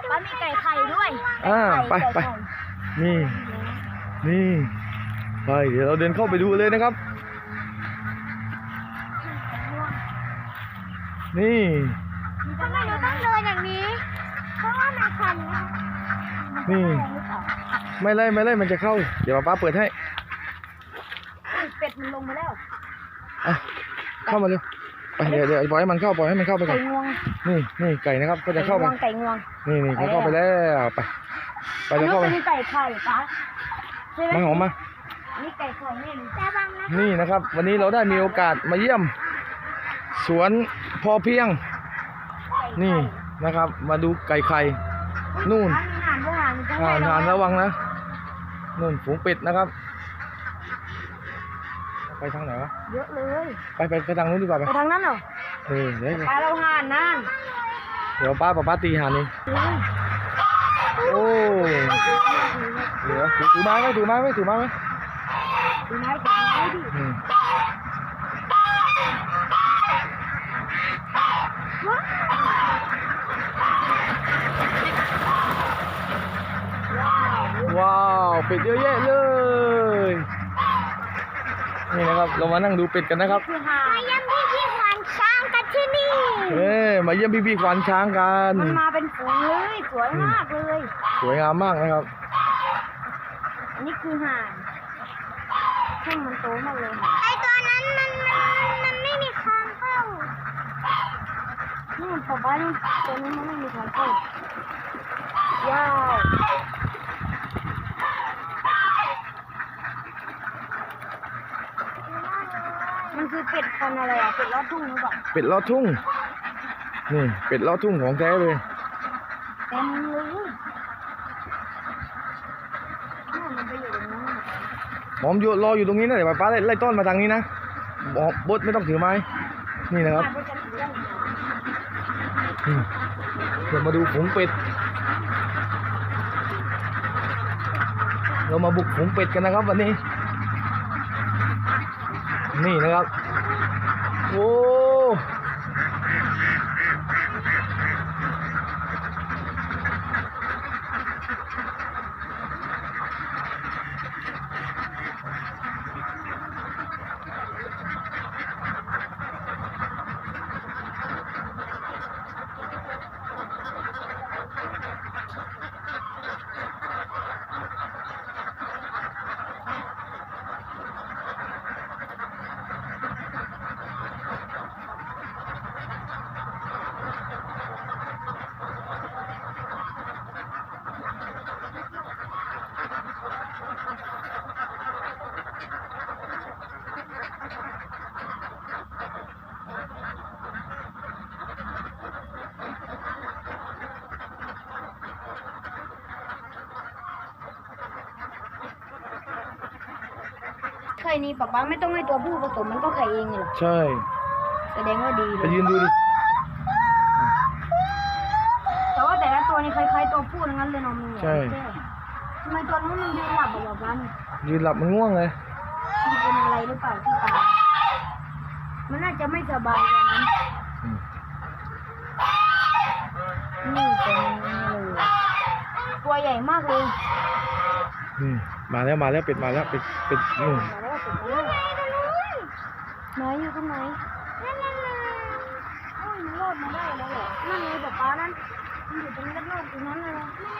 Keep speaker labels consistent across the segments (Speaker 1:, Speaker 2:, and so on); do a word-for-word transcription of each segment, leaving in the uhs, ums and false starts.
Speaker 1: ป้ามีไก่ไข่ด้วย
Speaker 2: อ่าไปไปนี่นี่ไปเดี๋ยวเราเดินเข้าไปดูเลยนะครับนี่
Speaker 1: ทำไมเราต้องเดินอย่างนี้ เพราะว่ามันคันนะ
Speaker 2: นี่ไม่ไล่ไม่ไล่มันจะเข้าเดี๋ยวป้าเปิดให้
Speaker 1: เป็ดมันลงมาแล้ว
Speaker 2: อ่ะเข้ามาเร็วไปเดี๋ยวเดี๋ยวปล่อยให้มันเข้าปล่อยให้มันเข้าไปก่
Speaker 1: ไก่
Speaker 2: อน
Speaker 1: งวง
Speaker 2: นี่นี่ไก่นะครับก็จะเข้าไป
Speaker 1: ไก่งวง
Speaker 2: นี่นี่เขาเข้าไปแล้วไปไป
Speaker 1: อัน
Speaker 2: จะ
Speaker 1: นี้
Speaker 2: เข้าไป
Speaker 1: เป็นไก่ไข่ป้าใช่ไหม
Speaker 2: มาหอมมา
Speaker 1: นี่ไก่ไข่นี่ระวังนะ
Speaker 2: นี่นะครับ วันนี้เราได้มีโอกาสมาเยี่ยม สวนพอเพียงนี่นะครับ มาดูไก่ไข่นู่น
Speaker 1: มีหานด้วยหานจะ
Speaker 2: ห่านห่านระวังนะนู่นฝูงเป็ดนะครับ ไปทางไหนวะ
Speaker 1: เยอะเลย
Speaker 2: ไปไปไปทางนู้นดีกว่าไป
Speaker 1: ไปทางนั้นเหรอ
Speaker 2: เออเดี๋ยว
Speaker 1: ปลาเราหานนั่น
Speaker 2: เดี๋ยวป้าป้าป้าตีห่านเองโอ้เดี๋ยวถือถือไม้ไหมถือไม้ไหมถือไม้ไหม
Speaker 1: ดูไม้ดูไม้ดิ
Speaker 2: อืมว้าวเป็ดเยอะแยะเลยนี่นะครับเรามานั่งดูเป็ดกันนะครับ
Speaker 1: คือหานมาเยี่ยมพี่พี่ควานช้างกันที่นี่
Speaker 2: เอ้ยมาเยี่ยมพี่ๆควานช้างกัน
Speaker 1: มันมาเป็นฝูงเลยสวยมากเลย
Speaker 2: สวยงามมากนะครับ
Speaker 1: อันนี้คือห่านแข้งมันโตมากเลยไอตัวนั้นมันมันมันไม่มีคางเข้านี่ป๊าป๊านี่ตัวนี้มันไม่มีคางเข้าว้าวมันคือเป็ดพันธุ์อะไรอ่ะเป็ดลอดทุ่งหรือเปล่า
Speaker 2: เป็ดลอดทุ่งนี่เป็ดลอดทุ่งของแท้เลย
Speaker 1: เต็มเลยนี่มันไปอยู่ตรงนั้น
Speaker 2: หอมอยู่รออยู่ตรงนี้นะเดี๋ยวป้าไล่ไล่ต้อนมาทางนี้นะหอมบดไม่ต้องถือไม้นี่นะครับอืมเดี๋ยวมาดูฝูงเป็ดเรามาบุกฝูงเป็ดกันนะครับวันนี้นี่นะครับโอ้
Speaker 1: ไข่นี้ป๊าป๊าไม่ต้องให้ตัวผู้ผสมมันก็ไข่เองเลยเหรอ
Speaker 2: ใช่
Speaker 1: แสดงว่าดีเล
Speaker 2: ไป
Speaker 1: ย
Speaker 2: ยืนดูดิ
Speaker 1: แต่ว่าแต่ละตัวนี่คล้ายๆตัวผู้ทั้งนั้นเลยเนาะมึง
Speaker 2: ใช่
Speaker 1: ทำไมตัวนู้นมันยืนหลับอะป๊าป๊าเนี่ย
Speaker 2: ยืนหลับมันง่วงเลย
Speaker 1: มันเป็นอะไรหรือเปล่าที่ตามันน่าจะไม่สบายตอนนั้น
Speaker 2: อืม
Speaker 1: นี่เป็นเลยตัวใหญ่มากเลย
Speaker 2: นี่มาแล้วมาแล้วเป็ดมาแล้วเป็ดเป็ดนู่น
Speaker 1: มาแล้วมาแล้วไหนอยู่ตรงไหนนั่นนั่นนั่นโอ้ยมันรอดมาได้แล้วเหรอนั่นไงป๊าป๊านั่นมันอยู่ตรงนี้รอดตรงนั้นเลย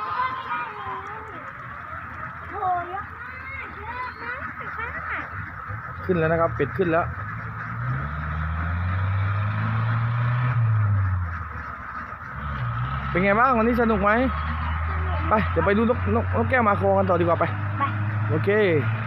Speaker 1: โอ้ยเยอะมากเยอะมาก
Speaker 2: ขึ้นแล้วนะครับเป็ดขึ้นแล้วเป็นไงบ้างวันนี้สนุกไหมไปเดี๋ยวไปดูนกนกนกแก้วมาโคกันต่อดีกว่าไป
Speaker 1: ไป
Speaker 2: โอเค